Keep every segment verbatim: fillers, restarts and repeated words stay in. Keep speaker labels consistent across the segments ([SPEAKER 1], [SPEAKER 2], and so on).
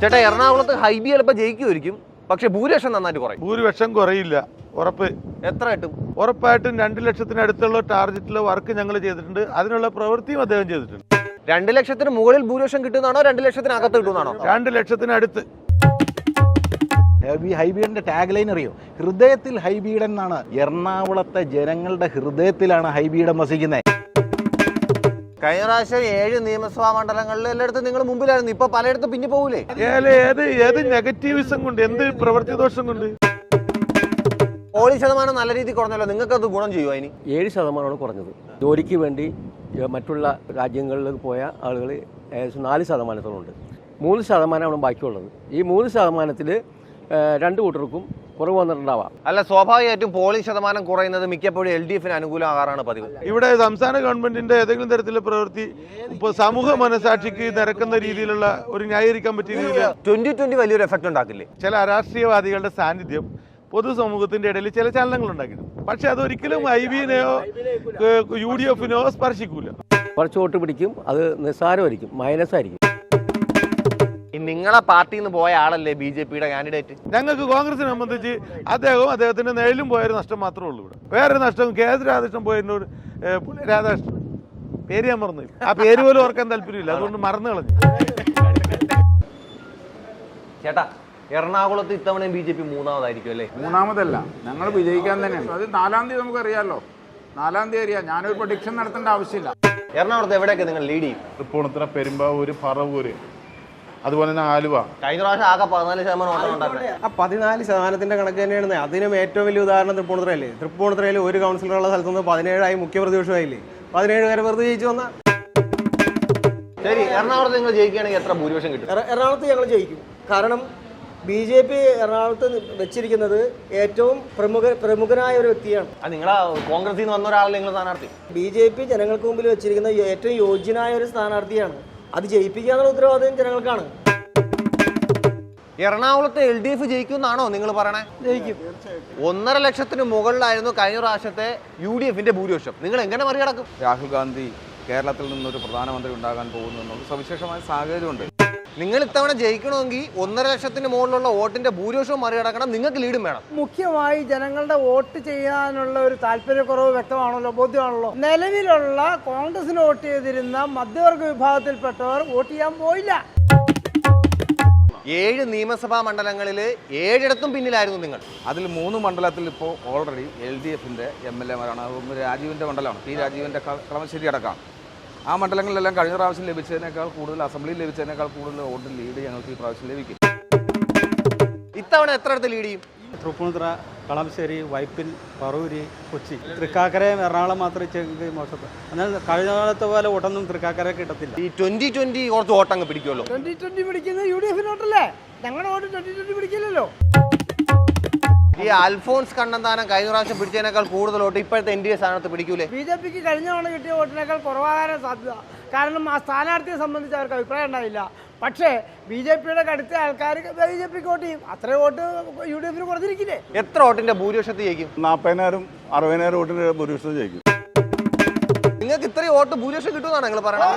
[SPEAKER 1] ചേട്ടാ എറണാകുളത്ത് ഹൈബി ചിലപ്പോൾ ജയിക്കുമായിരിക്കും, പക്ഷെ ഭൂരിപക്ഷം നന്നായിട്ട് കുറയും.
[SPEAKER 2] ഭൂരിപക്ഷം കുറയില്ല, ഉറപ്പ്.
[SPEAKER 1] എത്ര കിട്ടും?
[SPEAKER 2] ഉറപ്പായിട്ടും രണ്ട് ലക്ഷത്തിനടുത്തുള്ള ടാർഗറ്റിലെ വർക്ക് ഞങ്ങൾ ചെയ്തിട്ടുണ്ട്, അതിനുള്ള പ്രവൃത്തിയും അദ്ദേഹം ചെയ്തിട്ടുണ്ട്.
[SPEAKER 1] രണ്ട് ലക്ഷത്തിന് മുകളിൽ ഭൂരിപക്ഷം കിട്ടുന്നതാണോ രണ്ട് ലക്ഷത്തിനകത്ത് കിട്ടുന്നതാണോ?
[SPEAKER 2] രണ്ട് ലക്ഷത്തിനടുത്ത്.
[SPEAKER 3] ഹൈബീഡന്റെ ടാഗ് ലൈൻ അറിയോ? ഹൃദയത്തിൽ ഹൈബീഡൻ എന്നാണ്. എറണാകുളത്തെ ജനങ്ങളുടെ ഹൃദയത്തിലാണ് ഹൈബീഡൻ വസിക്കുന്നത്.
[SPEAKER 1] കഴിഞ്ഞ പ്രാവശ്യം ഏഴ് നിയമസഭാ മണ്ഡലങ്ങളിൽ എല്ലായിടത്തും നിങ്ങൾ മുമ്പിലായിരുന്നു, ഇപ്പൊ പലയിടത്തും പിന്നെ പോകൂലേ?
[SPEAKER 2] ഏത് ഏത് നെഗറ്റീവിസം കൊണ്ട്, എന്ത് പ്രവൃത്തി ദോഷം കൊണ്ട്?
[SPEAKER 1] പോളിംഗ് ശതമാനം നല്ല രീതിയിൽ കുറഞ്ഞല്ലോ, നിങ്ങൾക്ക് അത് ഗുണം ചെയ്യുമോ? അതിന്
[SPEAKER 4] ഏഴ് ശതമാനമാണ് കുറഞ്ഞത്. ജോലിക്ക് വേണ്ടി മറ്റുള്ള രാജ്യങ്ങളിൽ പോയ ആളുകൾ ഏകദേശം നാല് ശതമാനത്തോളുണ്ട്. മൂന്ന് ശതമാനമാണ് ബാക്കിയുള്ളത്. ഈ മൂന്ന് ശതമാനത്തിൽ രണ്ട് കൂട്ടർക്കും കുറവ് വന്നിട്ടുണ്ടാവാം.
[SPEAKER 1] അല്ല, സ്വാഭാവികമായിട്ടും പോളിംഗ് ശതമാനം കുറയുന്നത് മിക്കപ്പോഴും എൽ ഡി എഫിന് അനുകൂലമാകാറാണ് പതിവ്.
[SPEAKER 2] ഇവിടെ സംസ്ഥാന ഗവൺമെന്റിന്റെ ഏതെങ്കിലും തരത്തിലുള്ള പ്രവൃത്തി ഇപ്പോൾ സമൂഹ മനസാക്ഷിക്ക് നിരക്കുന്ന രീതിയിലുള്ള ഒരു ന്യായീകരിക്കാൻ പറ്റിയ രീതിയിൽ
[SPEAKER 1] ട്വന്റി ട്വന്റി വലിയൊരു എഫക്ട് ഉണ്ടാക്കില്ലേ?
[SPEAKER 2] ചില അരാഷ്ട്രീയവാദികളുടെ സാന്നിധ്യം പൊതുസമൂഹത്തിന്റെ ഇടയിൽ ചില ചലനങ്ങൾ ഉണ്ടാക്കിയിട്ടുണ്ട്. പക്ഷെ അതൊരിക്കലും ഐ ബിനെയോ യു ഡി എഫിനോ സ്പർശിക്കൂല.
[SPEAKER 4] കുറച്ച് വോട്ട് പിടിക്കും, അത് നിസ്സാരമായിരിക്കും, മൈനസ് ആയിരിക്കും.
[SPEAKER 1] നിങ്ങളെ പാർട്ടിയിൽ നിന്ന് പോയ ആളല്ലേ ബി ജെ പിയുടെ കാൻഡിഡേറ്റ്?
[SPEAKER 2] ഞങ്ങൾക്ക് കോൺഗ്രസിനെ സംബന്ധിച്ച് അദ്ദേഹവും അദ്ദേഹത്തിന്റെ നേരിലും പോയൊരു നഷ്ടം മാത്രമേ ഉള്ളൂ. ഇവിടെ വേറൊരു നഷ്ടം കെ എസ് രാധാകൃഷ്ണൻ പോയതിനോട് രാധാകൃഷ്ണൻ പേര് ഞാൻ മറന്നു, ആ പേര് പോലും ഓർക്കാൻ താല്പര്യമില്ല, അതുകൊണ്ട് മറന്നു കളഞ്ഞു.
[SPEAKER 1] ചേട്ടാ, എറണാകുളത്ത് ഇത്തവണ ബി ജെ പി മൂന്നാമതായിരിക്കും അല്ലേ?
[SPEAKER 5] മൂന്നാമതല്ല, ഞങ്ങൾ വിജയിക്കാൻ തന്നെയാണ്. അത് നാലാം തീയതി നമുക്കറിയാമല്ലോ, നാലാം തീയതി അറിയാം. ഞാനൊരു പ്രൊഡിക്ഷൻ നടത്തേണ്ട ആവശ്യമില്ല.
[SPEAKER 1] എറണാകുളത്ത് എവിടെയൊക്കെ നിങ്ങൾ ലീഡ് ചെയ്യും?
[SPEAKER 6] തൃപ്പൂണിത്തുറ, പെരുമ്പാവൂര്, പറവൂര്, അതുപോലെ തന്നെ ആലുവ.
[SPEAKER 1] കഴിഞ്ഞ പ്രാവശ്യം ആകെ പതിനാല് ശതമാനം ഓട്ടം ഉണ്ടായിരുന്നത്.
[SPEAKER 7] ആ പതിനാല് ശതമാനത്തിന്റെ കണക്ക് തന്നെയാണ്. അതിനും ഏറ്റവും വലിയ ഉദാഹരണം തൃപ്പൂണിത്തുറയല്ലേ? തൃപ്പൂണിത്തുറയിൽ ഒരു കൗൺസിലറുള്ള സ്ഥലത്തുനിന്ന് പതിനേഴായി മുഖ്യപ്രതിപക്ഷമായില്ലേ? പതിനേഴ് പേരെ വെറുതെ ജയിച്ചു വന്ന.
[SPEAKER 1] ശരി, എറണാകുളത്ത് നിങ്ങൾ ജയിക്കുകയാണെങ്കിൽ എത്ര ഭൂരിപക്ഷം കിട്ടും?
[SPEAKER 8] എറണാകുളത്ത് ഞങ്ങൾ ജയിക്കും. കാരണം ബി ജെ പി എറണാകുളത്ത് വെച്ചിരിക്കുന്നത് ഏറ്റവും പ്രമുഖ പ്രമുഖനായ ഒരു വ്യക്തിയാണ്.
[SPEAKER 1] നിങ്ങളെ കോൺഗ്രസിൽ നിന്ന് വന്ന ഒരാളല്ലേ നിങ്ങൾ സ്ഥാനാർത്ഥി?
[SPEAKER 8] ബി ജെ പി ജനങ്ങൾക്ക് മുമ്പിൽ വെച്ചിരിക്കുന്ന ഏറ്റവും യോഗ്യനായ ഒരു സ്ഥാനാർത്ഥിയാണ്. അത് ജയിപ്പിക്കാനുള്ള ഉത്തരവാദിത്വം ജനങ്ങൾക്കാണ്.
[SPEAKER 1] എറണാകുളത്ത് എൽ ഡി എഫ് ജയിക്കുമെന്നാണോ നിങ്ങൾ പറയണേ?
[SPEAKER 8] ജയിക്കും.
[SPEAKER 1] ഒന്നര ലക്ഷത്തിന് മുകളിലായിരുന്നു കഴിഞ്ഞ പ്രാവശ്യത്തെ യു ഡി എഫിന്റെ ഭൂരിപക്ഷം. നിങ്ങൾ എങ്ങനെ മറികടക്കും?
[SPEAKER 9] രാഹുൽ ഗാന്ധി കേരളത്തിൽ നിന്നൊരു പ്രധാനമന്ത്രി ഉണ്ടാകാൻ പോകുന്നു എന്നുള്ള സവിശേഷമായ സാഹചര്യമുണ്ട്.
[SPEAKER 1] നിങ്ങൾ ഇത്തവണ ജയിക്കണമെങ്കിൽ ഒന്നര ലക്ഷത്തിന് മുകളിലുള്ള വോട്ടിന്റെ ഭൂരിപക്ഷവും മറികടക്കണം, നിങ്ങൾക്ക് ലീഡും വേണം.
[SPEAKER 8] മുഖ്യമായി ജനങ്ങളുടെ വോട്ട് ചെയ്യാനുള്ള ഒരു താല്പര്യക്കുറവ് വ്യക്തമാണല്ലോ, ബോധ്യമാണല്ലോ. നിലവിലുള്ള കോൺഗ്രസിന് വോട്ട് ചെയ്തിരുന്ന മധ്യവർഗ വിഭാഗത്തിൽപ്പെട്ടവർ വോട്ട് ചെയ്യാൻ പോയില്ല.
[SPEAKER 1] ഏഴ് നിയമസഭാ മണ്ഡലങ്ങളിൽ ഏഴിടത്തും പിന്നിലായിരുന്നു നിങ്ങൾ.
[SPEAKER 9] അതിൽ മൂന്ന് മണ്ഡലത്തിൽ ഇപ്പോൾ ഓൾറെഡി എൽ ഡി എഫിൻ്റെ എം എൽ എമാരാണ്. ഒന്ന് രാജീവിൻ്റെ മണ്ഡലമാണ്, പി രാജീവിൻ്റെ കളമശ്ശേരി അടക്കം. ആ മണ്ഡലങ്ങളിലെല്ലാം കഴിഞ്ഞ പ്രാവശ്യം ലഭിച്ചതിനേക്കാൾ കൂടുതൽ, അസംബ്ലിയിൽ ലഭിച്ചതിനേക്കാൾ കൂടുതൽ വോട്ട് ലീഡ് ഞങ്ങൾക്ക് ഈ പ്രാവശ്യം ലഭിക്കും.
[SPEAKER 1] ഇത്തവണ എത്ര ഇടത്ത് ലീഡ് ചെയ്യും?
[SPEAKER 7] തൃപ്പൂണിത്തുറ, കളമശ്ശേരി, വൈപ്പിൻ, പറവൂര്, കൊച്ചി, തൃക്കാക്കരയും എറണാകുളം മാത്രമേ മോശപ്പെട്ടു. എന്നാൽ കഴിഞ്ഞ കാലത്തെ പോലെ വോട്ടൊന്നും തൃക്കാക്കര കിട്ടത്തില്ല.
[SPEAKER 1] ഈ ട്വന്റി ട്വന്റി കുറച്ച് വോട്ടങ്ങ് പിടിക്കുമല്ലോ.
[SPEAKER 8] ട്വന്റി ട്വന്റി പിടിക്കുന്നത് യു ഡി എഫിന് വോട്ടല്ലേ? ഞങ്ങളുടെ വോട്ട് ട്വന്റി ട്വന്റി പിടിക്കില്ലല്ലോ.
[SPEAKER 1] ഈ അൽഫോൺസ് കണ്ണന്താനം കഴിഞ്ഞ പ്രാവശ്യം പിടിച്ചതിനേക്കാൾ കൂടുതൽ വോട്ട് ഇപ്പോഴത്തെ എൻ ഡി എ സ്ഥാനത്ത് പിടിക്കൂലേ?
[SPEAKER 8] ബി ജെ പിക്ക് കഴിഞ്ഞ തവണ കിട്ടിയ വോട്ടിനേക്കാൾ കുറവാകാൻ സാധ്യത. കാരണം ആ സ്ഥാനാർത്ഥിയെ സംബന്ധിച്ച് അവർക്ക് അഭിപ്രായം ഉണ്ടാവില്ല. പക്ഷേ ബി ജെ പിയുടെ കടുത്ത ആൾക്കാർ ബി ജെ പിക്ക് വോട്ട് ചെയ്യും. അത്രയും വോട്ട് യു ഡി എഫിന് കുറഞ്ഞിരിക്കില്ലേ?
[SPEAKER 1] എത്ര വോട്ടിന്റെ ഭൂരിപക്ഷത്തിൽ ജയിക്കും?
[SPEAKER 6] നാൽപ്പതിനായിരം അറുപതിനായിരം വോട്ടിന്റെ ഭൂരിപക്ഷം ജയിക്കും.
[SPEAKER 1] നിങ്ങൾക്ക് ഇത്രയും വോട്ട് ഭൂരിപക്ഷം കിട്ടുമെന്നാണ് നിങ്ങൾ പറയുന്നത്?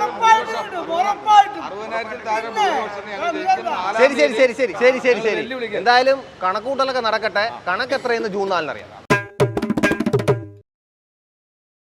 [SPEAKER 1] ശരി ശരി ശരി ശരി ശരി ശരി ശരി എന്തായാലും കണക്കൂട്ടലൊക്കെ നടക്കട്ടെ. കണക്ക് എത്രയെന്ന് ജൂൺ നാലിനറിയാം.